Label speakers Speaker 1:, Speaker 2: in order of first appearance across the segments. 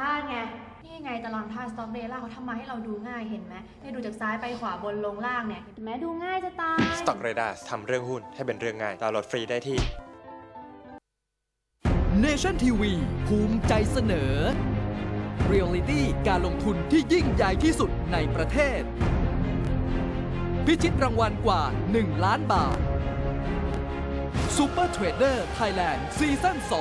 Speaker 1: บ้านไงนี่ไงตารางธาตุสต็อกเดล่าเขาทำมาให้เราดูง่ายเห็นไหมเนี่ยดูจากซ้ายไปขวาบนลงล่างเนี่ยเห็นไหมดูง่ายจะตาย
Speaker 2: Stock Radar ทำเรื่องหุ้นให้เป็นเรื่องง่ายดาวน์โหลดฟรีได้ที่
Speaker 3: Nation TV ภูมิใจเสนอ Reality การลงทุนที่ยิ่งใหญ่ที่สุดในประเทศ พิชิตรางวัลกว่า 1 ล้านบาท Super Trader Thailand ซีซั่น 2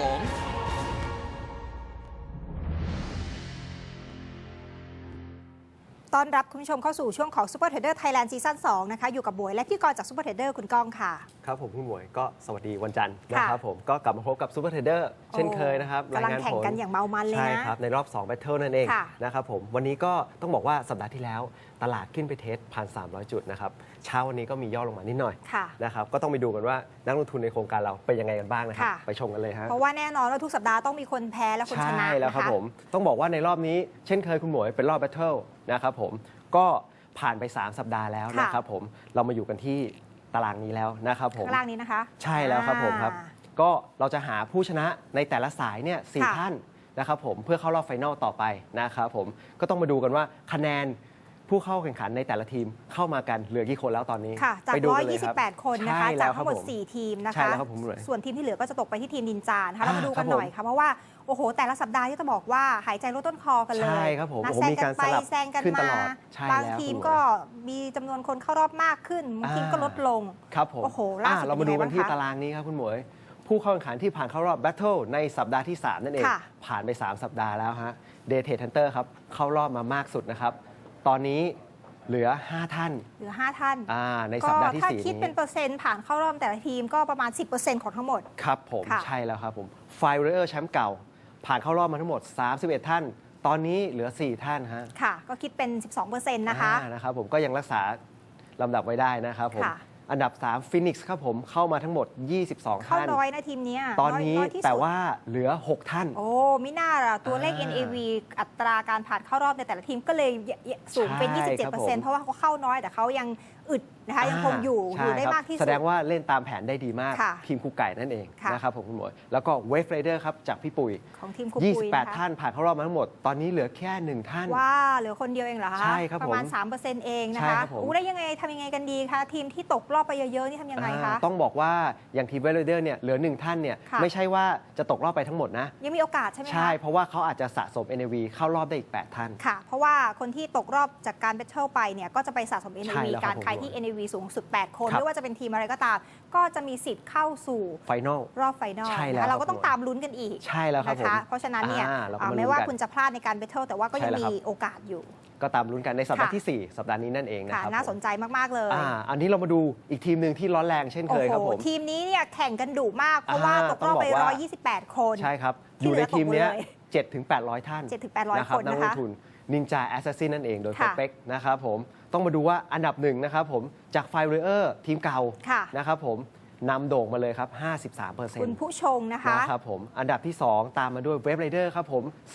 Speaker 4: ต้อนรับคุณผู้ชมเข้าสู่ช่วงของ Super Trader Thailand ซีซั่น 2 นะคะ อยู่กับบวยและพี่กรจาก Super Trader คุณก้องค่ะ
Speaker 5: ครับผมคุณหมวยก็สวัสดีวันจันทร์นะครับผมก็กลับมาพบกับ Super Trader เช่นเคยนะครับ
Speaker 4: กำลังแข่งกันอย่างเมามันเลยนะ
Speaker 5: ใช่ครับในรอบ2 Battle นั่นเองนะครับผมวันนี้ก็ต้องบอกว่าสัปดาห์ที่แล้วตลาดขึ้นไปเทส 1,300 จุดนะครับเช้าวันนี้ก็มีย่อลงมานิดหน่อยนะครับก็ต้องไปดูกันว่านักลงทุนในโครงการเราเป็นยังไงกันบ้างนะครับไปชมกันเลยฮะ
Speaker 4: เพราะว่าแน่นอนว่าทุกสัปดาห์ต้องมีคนแพ้และคนชนะ
Speaker 5: ใช่แล้วครับผมต้องบอกว่าในรอบนี้เช่นเคยคุณหมวยเป็นรอบ Battle นะครับผมก็ผ่านไป3 สัปดาห์แล้วนะครับผมเรามาอยู่กันที่ตารางนี้แล้วนะครับผม
Speaker 4: ข้างล่างนี้นะคะ
Speaker 5: ใช่แล้วครับผมครับก็เราจะหาผู้ชนะในแต่ละสายเนี่ย4 ท่านนะครับผมเพื่อเข้ารอบไฟนอลต่อไปนะครับผมก็ต้องมาดูกันว่าคะแนนผู้เข้าแข่งขันในแต่ละทีมเข้ามากันเหลือกี่คนแล้วตอนนี้
Speaker 4: ค่ะจาก128 คนนะคะจากทั้งหมด4 ทีมนะคะส่วนทีมที่เหลือก็จะตกไปที่ทีมนินจานะคะเรามาดูกันหน่อยค่ะเพราะว่าโอ้โหแต่ละสัปดาห์ที่จะบอกว่าหายใจลดต้นคอกันเลย
Speaker 5: ใช่ครับผม
Speaker 4: แซงกันไปแซงกันมาบางทีมก็มีจำนวนคนเข้ารอบมากขึ้นบางทีมก็ลดลง
Speaker 5: ครับผม
Speaker 4: โอ้โหล่าสุด
Speaker 5: เรามาดูกันที่ตารางนี้ครับคุณหมวยผู้เข้าแข่งขันที่ผ่านเข้ารอบแบทเทิลในสัปดาห์ที่3นั่นเองผ่านไป3 สัปดาห์แล้วฮะเดย์เทรดฮันเตอร์ครับเข้ารอบมามากสุดนะครับตอนนี้เหลือ5 ท่านในสัปดาห์ที่4นี้ถ้า
Speaker 4: คิดเป็นเปอร์เซ็นต์ผ่านเข้ารอบแต่ละทีมก็ประมาณ 10% ของทั้งหมด
Speaker 5: ครับผมใช่แล้วครับผมไฟเรอร์แชมป์เก่าผ่านเข้ารอบมาทั้งหมด31 ท่านตอนนี้เหลือ4 ท่านฮะ
Speaker 4: ค่ะก็คิดเป็น 12%
Speaker 5: นะครับผมก็ยังรักษาลำดับไว้ได้นะครับผมอันดับ3ฟินิกส์ครับผมเข้ามาทั้งหมด22 ท่าน
Speaker 4: เข้าน้อยนะทีมนี้
Speaker 5: ตอนนี้แต่ว่าเหลือ6 ท่าน
Speaker 4: โอ้มิน่าล่ะตัวเลข NAV อัตราการผ่านเข้ารอบในแต่ละทีมก็เลยสูงเป็น 27%เพราะว่าเขาเข้าน้อยแต่เขายังอึดนะคะยังคงอยู่ได้มากที่สุด
Speaker 5: แสดงว่าเล่นตามแผนได้ดีมากทีมครูไก่นั่นเองนะครับผมคุณหมวยแล้วก็เวฟไรเดอร์ครับจากพี่ปุ๋ย
Speaker 4: ของทีมครูปุ๋ย
Speaker 5: 28 ท่านผ่านเข้ารอบมาทั้งหมดตอนนี้เหลือแค่1 ท่าน
Speaker 4: ว้าเหลือคนเดียวเองเหรอคะ
Speaker 5: ใช่ครับ
Speaker 4: ประมาณ 3% เองนะคะได้ยังไงทำยังไงกันดีคะทีมที่ตกรอบไปเยอะๆนี่ทำยังไงคะ
Speaker 5: ต้องบอกว่าอย่างทีมเวฟไรเดอร์เนี่ยเหลือ1 ท่านเนี่ยไม่ใช่ว่าจะตกรอบไปทั้งหมดนะ
Speaker 4: ยังมีโอกาสใช่ไหมคะ
Speaker 5: ใช่เพราะว่าเขาอาจจะสะสม NAV เข้ารอบได้อีก8 ท่าน
Speaker 4: ค่ะเพราะว่าคนที่ตกรอบจากการแบทเทิลไปเนี่ยก็จะไปสะสม NAV การใครที่ NAV สูงสุด8 คนไม่ว่าจะเป็นทีมอะไรก็ตามก็จะมีสิทธิ์เข้าสู่
Speaker 5: ไฟนอล
Speaker 4: รอบไฟนอลเราก็ต้องตามลุ้นกันอีก
Speaker 5: ใช่แล้วครับ
Speaker 4: นะคะเพราะฉะนั้นเนี่ยไม่ว่าคุณจะพลาดในการแบทเทิลแต่ว่าก็ยังมีโอกาสอยู่
Speaker 5: ก็ตามลุ้นกันในสัปดาห์ที่4สัปดาห์นี้นั่นเองนะครับ
Speaker 4: น่าสนใจมากๆเลย
Speaker 5: อันนี้เรามาดูอีกทีมหนึ่งที่ร้อนแรงเช่นเคยครับผม
Speaker 4: ทีมนี้เนี่ยแข่งกันดุมากเพราะว่าตกรอบไป128 คน
Speaker 5: ใช่ครับอยู่ในทีมนี้7-800 ท่าน
Speaker 4: 7-800 คน
Speaker 5: นักลงทุนนินจาแอสซัสซินนั่นเองโดยสเปคนะครับผมต้องมาดูว่าอันดับ1นะครับผมจากไฟเรอร์ทีมเก่านะครับผมนำโด่งมาเลยครับ 53%
Speaker 4: คุณผู้ชงนะคะ
Speaker 5: นะครับผมอันดับที่2ตามมาด้วยเวฟไรเดอร์ครับผม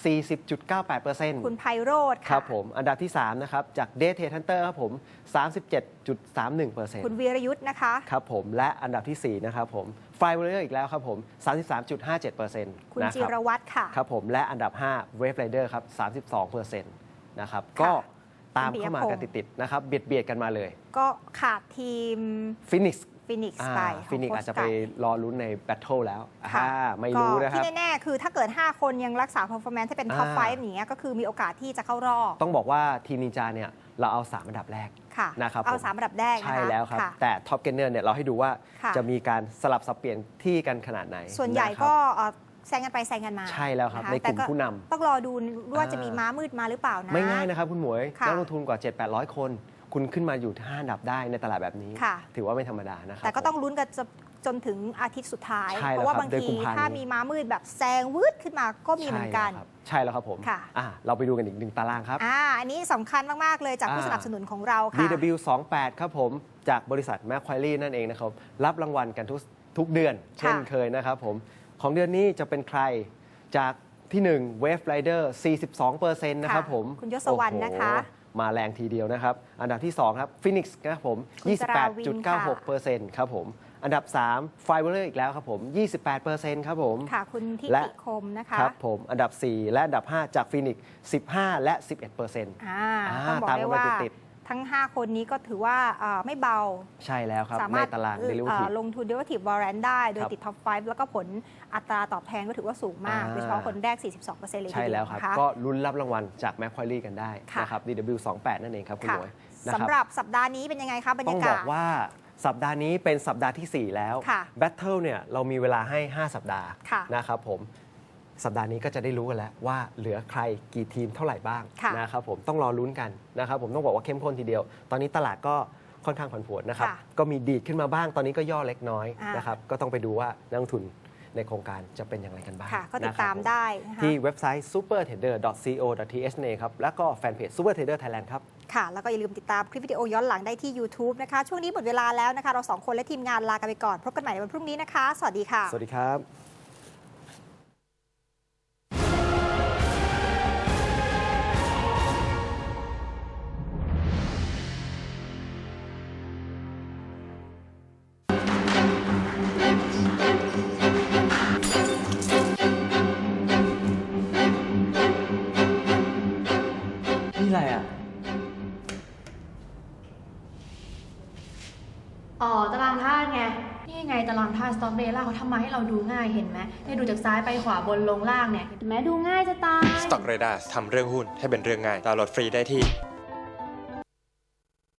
Speaker 5: 40.98%
Speaker 4: คุณไพโรจน์
Speaker 5: ครับผมอันดับที่3นะครับจากเดย์เทรดฮันเตอร์ครับผม 37.31%
Speaker 4: คุณวีรยุทธ์นะคะ
Speaker 5: ครับผมและอันดับที่4นะครับผมไฟเรอร์อีกแล้วครับผม 33.57%
Speaker 4: คุณจิรวัตรค่ะ
Speaker 5: ครับผมและอันดับ5เวฟไรเดอร์ครับ 32% นะครับก็ตามเข้ามากันติดๆนะครับเบียดกันมาเลย
Speaker 4: ก็ขาดทีม
Speaker 5: ฟินิกส์
Speaker 4: ไป
Speaker 5: ฟินิกส์อาจจะไปรอลุ้นในแบทเทิลแล้วไม่รู้นะครับ
Speaker 4: ที่แน่ๆคือถ้าเกิด5 คนยังรักษา performance ให้เป็นท็อป 5อย่างเงี้ยก็คือมีโอกาสที่จะเข้ารอบ
Speaker 5: ต้องบอกว่าทีมนินจาเนี่ยเราเอา3 อันดับแรกนะครับ
Speaker 4: เอา3 อันดับแรก
Speaker 5: ใช่แล้วครับแต่ท็อปเกนเนอร์เนี่ยเราให้ดูว่าจะมีการสลับสับเปลี่ยนที่กันขนาดไหน
Speaker 4: ส่วนใหญ่ก็แซงกันไปแซงกันมา
Speaker 5: ใช่แล้วครับในกลุ่มผู้นำ
Speaker 4: ต้องรอดูว่าจะมีม้ามืดมาหรือเปล่านะ
Speaker 5: ไม่ง่ายนะครับคุณหมวยนักลงทุนกว่า 7-800 คนคุณขึ้นมาอยู่5 อันดับได้ในตลาดแบบนี้ถือว่าไม่ธรรมดานะครับ
Speaker 4: แต่ก็ต้องลุ้นกันจนถึงอาทิตย์สุดท้ายเพราะว่าบางทีถ้ามีม้ามืดแบบแซงวืดขึ้นมาก็มีเหมือนกัน
Speaker 5: ใช่แล้วครับผมเราไปดูกันอีก1 ตารางครับ
Speaker 4: อันนี้สำคัญมากๆเลยจากผู้สนับสนุนของเราค่ะ
Speaker 5: DW28 ครับผมจากบริษัทแมคควายรี่นั่นเองนะครับรับรางวัลกันทุกเดือนเช่นเคยนะครับผมของเดือนนี้จะเป็นใครจากที่1 Wave Rider 42% นะครับผม
Speaker 4: คุณยศวรรณนะคะ
Speaker 5: มาแรงทีเดียวนะครับอันดับที่2ครับ Phoenix นะครับผม 28.96% ครับผมอันดับ3 f i b e r อีกแล้วครับผม 28%ครับผม
Speaker 4: ค่ะ คุณทิ
Speaker 5: และ
Speaker 4: ติคมนะคะ
Speaker 5: ครับผมอันดับ 4 และอันดับ 5 จากฟีนิกซ์15 และ 11%
Speaker 4: ต้องบอก
Speaker 5: ตาม
Speaker 4: ได้
Speaker 5: กัน
Speaker 4: ว่า
Speaker 5: มาติด
Speaker 4: ทั้ง 5 คนนี้ก็ถือว่าไม่เบา
Speaker 5: ๆใช่แล้วครับ
Speaker 4: สา
Speaker 5: ใน
Speaker 4: มารถ
Speaker 5: ตลาด derivative
Speaker 4: ลงทุน derivative warrant ได้ โดย
Speaker 5: ครับ
Speaker 4: ติด top 5 แล้วก็ผลอัตราตอบแทนก็ถือว่าสูงมาก โดยเฉพาะคนแรก 42%เลยที
Speaker 5: ใช่
Speaker 4: เดี
Speaker 5: แล้ว วครับ
Speaker 4: นะคะ
Speaker 5: ก็ลุ้นรับรางวัลจาก Macquarie กันได้
Speaker 4: ค่ะ
Speaker 5: นะครับ DW28 นั่นเองครับคุณ
Speaker 4: ค่ะ
Speaker 5: หมวยนะครับ
Speaker 4: สำหรับสัปดาห์นี้เป็นยังไงคะบรร
Speaker 5: ต้อย
Speaker 4: าง กา
Speaker 5: บอ
Speaker 4: ศ
Speaker 5: กว่าสัปดาห์นี้เป็นสัปดาห์ที่ 4 แล้ว
Speaker 4: ค่ะ
Speaker 5: Battle เนี่ยเรามีเวลาให้ 5 สัปดาห์
Speaker 4: ค่ะ
Speaker 5: นะครับผมสัปดาห์นี้ก็จะได้รู้กันแล้วว่าเหลือใครกี่ทีมเท่าไหร่บ้าง
Speaker 4: ค่ะ
Speaker 5: นะครับผมต้องรอลุ้นกันนะครับผมต้องบอกว่าเข้มข้นทีเดียว ตอนนี้ตลาดก็ค่อนข้างผันผวนนะครับ
Speaker 4: ค่ะ
Speaker 5: ก็มีดีดขึ้นมาบ้างตอนนี้ก็ย่อเล็กน้อย
Speaker 4: อ่าน
Speaker 5: นะครับก็ต้องไปดูว่านักลงทุนในโครงการจะเป็นอย่างไรกันบ้าง
Speaker 4: ค่ะ ก็ติด
Speaker 5: นะครับ
Speaker 4: ตาม
Speaker 5: ผ
Speaker 4: ได้นะคะ
Speaker 5: ที่เว็บไซต์ supertrader.co.th นั่นเองครับแล้วก็แฟนเพจ supertrader Thailand ครับ
Speaker 4: ค่ะ แล้วก็อย่าลืมติดตามคลิปวิดีโอย้อนหลังได้ที่ YouTube นะคะ ช่วงนี้หมดเวลาแล้วนะคะ เรา 2 คนและทีมงานลากันไปก่อน พบกันใหม่ในวันพรุ่งนี้นะคะ สวัสดีค่ะ
Speaker 5: สวัสดีครับ
Speaker 6: นี่อะไรอ่ะ
Speaker 1: อ๋อตารางธาตุไง นี่ไงตารางธาตุ Stock Data เขาทำมาให้เราดูง่ายเห็นไหมเนี่ยดูจากซ้ายไปขวาบนลงล่างเนี่ยเห็นไหมดูง่ายจะตาย
Speaker 2: Stock Radar ทำเรื่องหุ้นให้เป็นเรื่องง่ายดาวน์โหลดฟรีได้ที่